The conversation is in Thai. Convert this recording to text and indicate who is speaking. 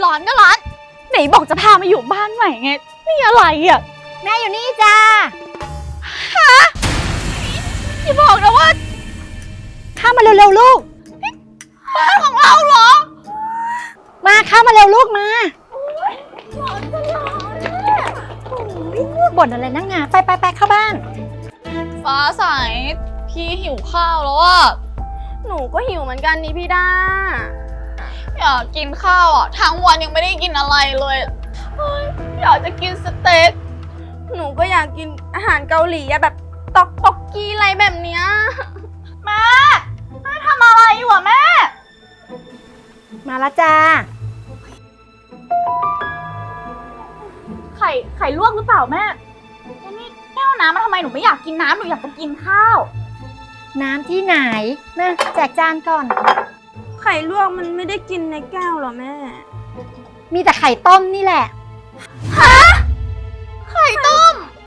Speaker 1: ร้อนก็ร้อนไหนบอกจะพามาอยู่บ้านใหม่ไงนี่อะไรอ่ะ
Speaker 2: แม่อยู่นี่จ้า
Speaker 1: อย่าบอกนะว่า
Speaker 2: เข้ามาเร็วๆลูก
Speaker 1: บ้านของเราเหรอ
Speaker 2: มาเข้ามาเร็วลูกมาบ่นอะไรนักหนาไปเข้าบ้าน
Speaker 1: ฟ้าใสพี่หิวข้าวแล้วอ่ะ
Speaker 3: หนูก็หิวเหมือนกันนี่พี่ด้า
Speaker 1: อยากกินข้าวอ่ะทั้งวันยังไม่ได้กินอะไรเลยอยากจะกินสเต็ก
Speaker 3: หนูก็อยากกินอาหารเกาหลีอะแบบตอกกีอะไรแบบเนี้ย
Speaker 1: แม่ทำอะไรอยู่อ่ะแม่
Speaker 2: มาแล้วจ้า
Speaker 1: ไข่ลวกหรือเปล่าแม่นี่แก้วน้ำมาทำไมหนูไม่อยากกินน้ำหนูอยากจะกินข้าว
Speaker 2: น้ำที่ไหนมาแจกจานก่อน
Speaker 3: ไข่ลวกมันไม่ได้กินในแก้วหรอแม่
Speaker 2: มีแต่ไข่ต้มนี่แหละ